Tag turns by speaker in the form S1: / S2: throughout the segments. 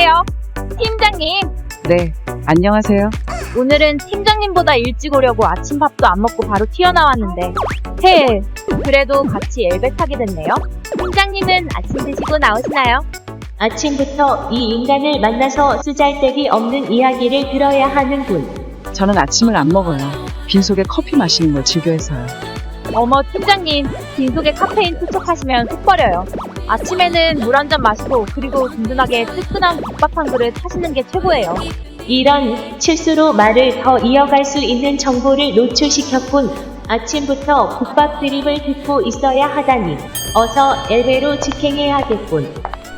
S1: 안녕하세요. 팀장님,
S2: 네, 안녕하세요.
S1: 오늘은 팀장님보다 일찍 오려고 아침밥도 안 먹고 바로 튀어나왔는데 그래도 같이 엘베 타게 됐네요. 팀장님은 아침 드시고 나오시나요?
S3: 아침부터 이 인간을 만나서 쓰잘데기 없는 이야기를 들어야 하는군.
S2: 저는 아침을 안 먹어요. 빈속에 커피 마시는 걸 즐겨해서요.
S1: 어머 팀장님, 빈속에 카페인 투척하시면 속 버려요. 아침에는 물 한 잔 마시고 그리고 든든하게 뜨끈한 국밥 한 그릇 하시는 게 최고예요.
S3: 이런 실수로 말을 더 이어갈 수 있는 정보를 노출시켰군. 아침부터 국밥 드립을 듣고 있어야 하다니. 어서 엘베로 직행해야겠군.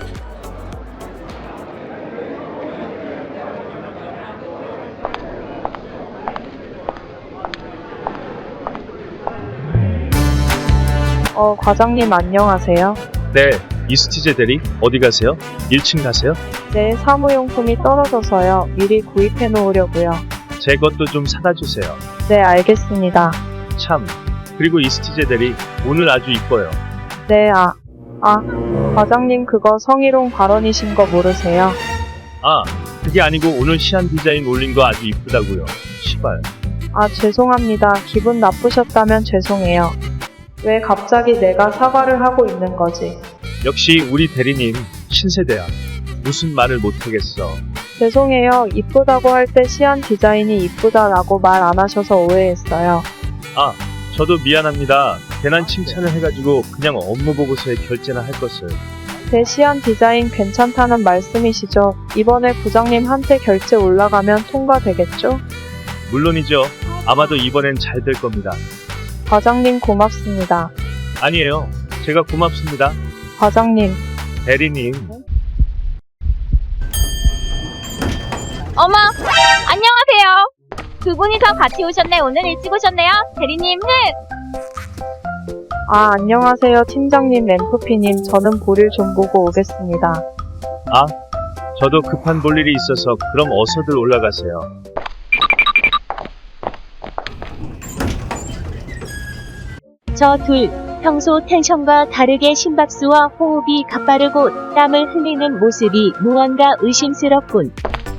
S4: 과장님 안녕하세요.
S5: 네, 이스티제 대리 어디 가세요? 1층 가세요?
S4: 네, 사무용품이 떨어져서요. 미리 구입해 놓으려고요.
S5: 제 것도 좀 사다 주세요.
S4: 네, 알겠습니다.
S5: 참, 그리고 이스티제 대리 오늘 아주 이뻐요.
S4: 네, 과장님 그거 성희롱 발언이신 거 모르세요?
S5: 아, 그게 아니고 오늘 시안 디자인 올린 거 아주 이쁘다고요. 시발.
S4: 죄송합니다. 기분 나쁘셨다면 죄송해요. 왜 갑자기 내가 사과를 하고 있는 거지?
S5: 역시 우리 대리님 신세대야. 무슨 말을 못하겠어.
S4: 죄송해요. 이쁘다고 할 때 시안 디자인이 이쁘다라고 말 안 하셔서 오해했어요.
S5: 아, 저도 미안합니다. 괜한 칭찬을 해가지고 그냥 업무 보고서에 결제나 할 것을.
S4: 제 시안 디자인 괜찮다는 말씀이시죠? 이번에 부장님한테 결제 올라가면 통과되겠죠?
S5: 물론이죠. 아마도 이번엔 잘 될 겁니다.
S4: 과장님 고맙습니다.
S5: 아니에요. 제가 고맙습니다.
S4: 과장님,
S5: 대리님.
S1: 어머, 안녕하세요. 두 분이서 같이 오셨네. 오늘 일찍 오셨네요. 대리님,
S4: 안녕하세요. 팀장님, 램프피님. 저는 볼일 좀 보고 오겠습니다.
S5: 아, 저도 급한 볼 일이 있어서 그럼 어서들 올라가세요.
S3: 저 둘, 평소 텐션과 다르게 심박수와 호흡이 가빠르고 땀을 흘리는 모습이 무언가 의심스럽군.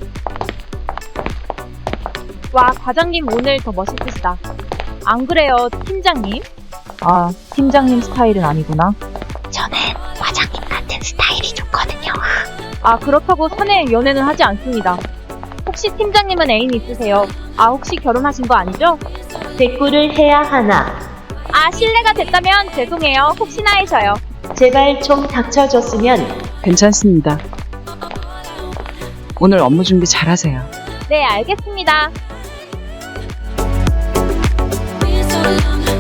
S1: 와, 과장님 오늘 더 멋있으시다. 안 그래요, 팀장님?
S2: 팀장님 스타일은 아니구나.
S3: 저는 과장님 같은 스타일이 좋거든요.
S1: 그렇다고 사내 연애는 하지 않습니다. 혹시 팀장님은 애인 있으세요? 혹시 결혼하신 거 아니죠?
S3: 대꾸를 해야 하나.
S1: 실례가 됐다면 죄송해요. 혹시나 해서요.
S3: 제발 좀 닥쳐줬으면.
S2: 괜찮습니다. 오늘 업무 준비 잘하세요.
S1: 네, 알겠습니다.
S6: so long.